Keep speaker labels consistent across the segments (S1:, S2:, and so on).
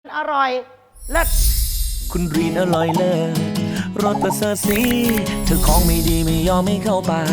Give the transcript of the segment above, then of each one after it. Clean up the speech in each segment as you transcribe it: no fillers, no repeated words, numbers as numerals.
S1: อร่อยเลิศ
S2: คุณรีนอร่อยเลิศรสประเสริฐสีเธอของไม่ดีไม่ยอมไม่เข้าปาก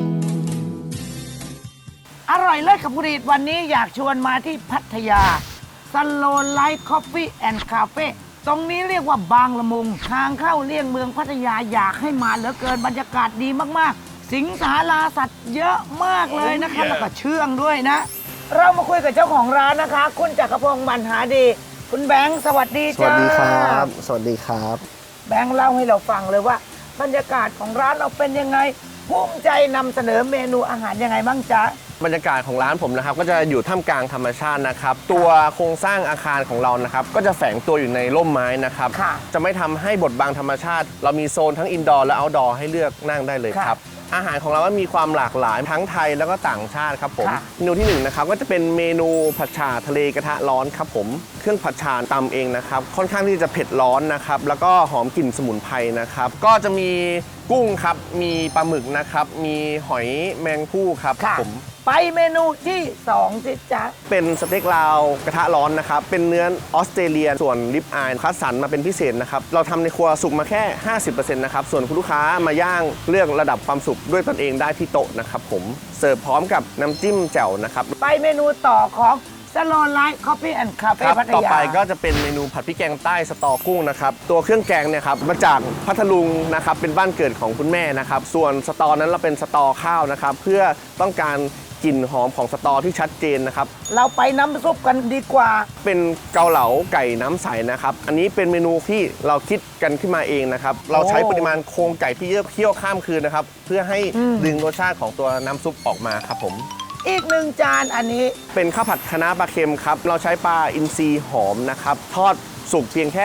S1: อร่อยเลิศกับคุณรีดวันนี้อยากชวนมาที่พัทยาซันโลไลท์คอฟฟี่แอนด์คาเฟ่ตรงนี้เรียกว่าบางละมุงทางเข้าเลี่ยงเมืองพัทยาอยากให้มาเหลือเกินบรรยากาศดีมากๆสิงสาราสัตว์เยอะมากเลยนะคะแล้วก็เชื่องด้วยนะ เรามาคุยกับเจ้าของร้านนะคะ คุณจักรพงศ์บรรหาดีคุณแบงค์สวัสดี
S3: สวั
S1: จ้า
S3: สดีครับ สวัสดีครับ
S1: แบงค์เล่าให้เราฟังเลยว่าบรรยากาศของร้านเราเป็นยังไงภูมิใจนำเสนอเมนูอาหารยังไงบ้างจ๊ะ
S3: บรรยากาศของร้านผมนะครับก็จะอยู่ท่ามกลางธรรมชาตินะครับตัวโครงสร้างอาคารของเรานะครับก็จะแฝงตัวอยู่ในร่มไม้นะครับจะไม่ทำให้บดบังธรรมชาติเรามีโซนทั้งอินดอร์และเอาท์ดอร์ให้เลือกนั่งได้เลยครับอาหารของเราก็มีความหลากหลายทั้งไทยแล้วก็ต่างชาติครับผมเมนูที่1นะครับก็จะเป็นเมนูผัดฉ่าทะเลกระทะร้อนครับผมเครื่องผัดฉ่าตำเองนะครับค่อนข้างที่จะเผ็ดร้อนนะครับแล้วก็หอมกลิ่นสมุนไพรนะครับก็จะมีกุ้งครับมีปลาหมึกนะครับมีหอยแมงภู่ครับผม
S1: ไปเมนูที่2สิจ๊ะ
S3: เป็นสเต็กลาวกระทะร้อนนะครับเป็นเนื้อออสเตรเลียส่วนริบอายคัดสรรมาเป็นพิเศษนะครับเราทำในครัวสุกมาแค่ 50% นะครับส่วนคุณลูกค้ามาย่างเลือกระดับความสุกด้วยตนเองได้ที่โต๊ะนะครับผมเสิร์ฟพร้อมกับน้ำจิ้มแจ่วนะครับ
S1: ไปเมนูต่อของสโลไลท์คอฟฟี่แอนด์คาเฟ่พัทยา
S3: ต่อไปก็จะเป็นเมนูผัดพริกแกงใต้สตอกุ้งนะครับตัวเครื่องแกงเนี่ยครับมาจากพัทลุงนะครับเป็นบ้านเกิดของคุณแม่นะครับส่วนสตอนั้นเราเป็นสตอข้าวนะครับเพื่อต้องการกลิ่นหอมของสตอที่ชัดเจนนะครับ
S1: เราไปน้ำซุปกันดีกว่า
S3: เป็นเกาเหลาไก่น้ำใสนะครับอันนี้เป็นเมนูที่เราคิดกันขึ้นมาเองนะครับเราใช้ปริมาณโครงไก่ที่เยอะเคี่ยวข้ามคืนนะครับเพื่อให้ดึงรสชาติของตัวน้ำซุปออกมาครับผม
S1: อีก1จานอันนี้
S3: เป็นข้าวผัดคะน้าปลาเค็มครับเราใช้ปลาอินทรีหอมนะครับทอดสุกเพียงแค่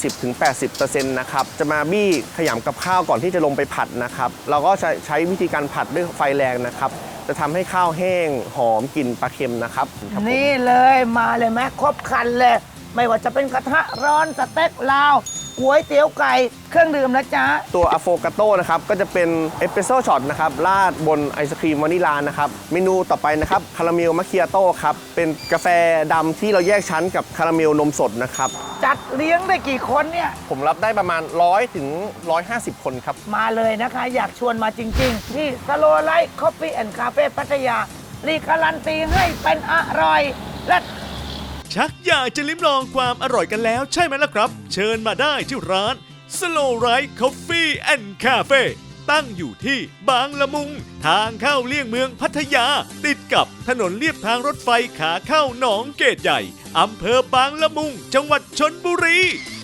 S3: 70-80% นะครับจะมาบี้ขยำกับข้าวก่อนที่จะลงไปผัดนะครับเราก็ใช้วิธีการผัดด้วยไฟแรงนะครับจะทำให้ข้าวแห้งหอมกลิ่นปลาเค็มนะครับ
S1: นี่เลยมาเลยไหมครบครันเลยไม่ว่าจะเป็นกระทะร้อนสเต็กลาวก๋วยเตี๋ยวไก่เครื่องดื่มนะจ๊ะ
S3: ตัวอะโฟกาโต้นะครับก็จะเป็นเอสเปรสโซ่ช็อตนะครับราดบนไอศครีมวานิลานะครับเมนูต่อไปนะครับคาราเมลมัคคิอาโต้ครับเป็นกาแฟดำที่เราแยกชั้นกับคาราเมลนมสดนะครับ
S1: จัดเลี้ยงได้กี่คนเนี่ย
S3: ผมรับได้ประมาณ100 ถึง 150 คนครับ
S1: มาเลยนะคะอยากชวนมาจริงๆที่สโลไลท์คอฟฟี่แอนด์คาเฟ่พัทยารีการันตีให้เป็นอร่อยและ
S4: ชักอยากจะลิ้มลองความอร่อยกันแล้วใช่ไหมล่ะครับเชิญมาได้ที่ร้าน Slow Ride Coffee and Cafe ตั้งอยู่ที่บางละมุงทางเข้าเลี่ยงเมืองพัทยาติดกับถนนเลียบทางรถไฟขาเข้าหนองเกตใหญ่อำเภอบางละมุงจังหวัดชลบุรี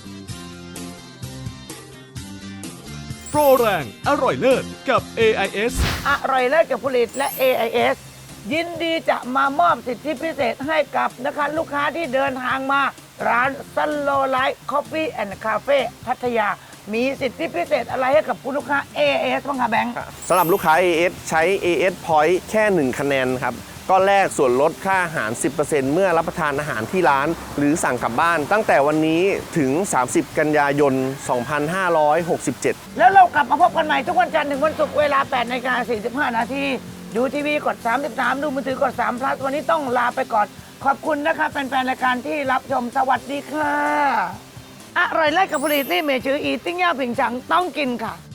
S4: โปรแรงอร่อยเลิศกับ AIS
S1: อร่อยเลิศกับผลิตและ AIS ยินดีจะมามอบสิทธิพิเศษให้กับนะคะลูกค้าที่เดินทางมาร้านซันโลไลท์คอฟฟี่แอนด์คาเฟ่พัทยามีสิทธิพิเศษอะไรให้กับผู้ลูกค้า AIS บ้างคะแบงค์
S3: สำหรับลูกค้า AIS ใช้ AIS Point แค่1คะแนนครับก็แลกส่วนลดค่าอาหาร 10% เมื่อรับประทานอาหารที่ร้านหรือสั่งกลับบ้านตั้งแต่วันนี้ถึง30 กันยายน 2567
S1: แล้วเรากลับมาพบกันใหม่ทุกวันจันทร์ถึงวันศุกร์เวลา 8:45 น.ดูทีวีกด33ดูมือถือกด3 plus วันนี้ต้องลาไปก่อนขอบคุณนะคะแฟนๆรายการที่รับชมสวัสดีค่ะอร่อยเลิศกับผลิตนี่เมจืออีติ้งย่าผิงฉังต้องกินค่ะ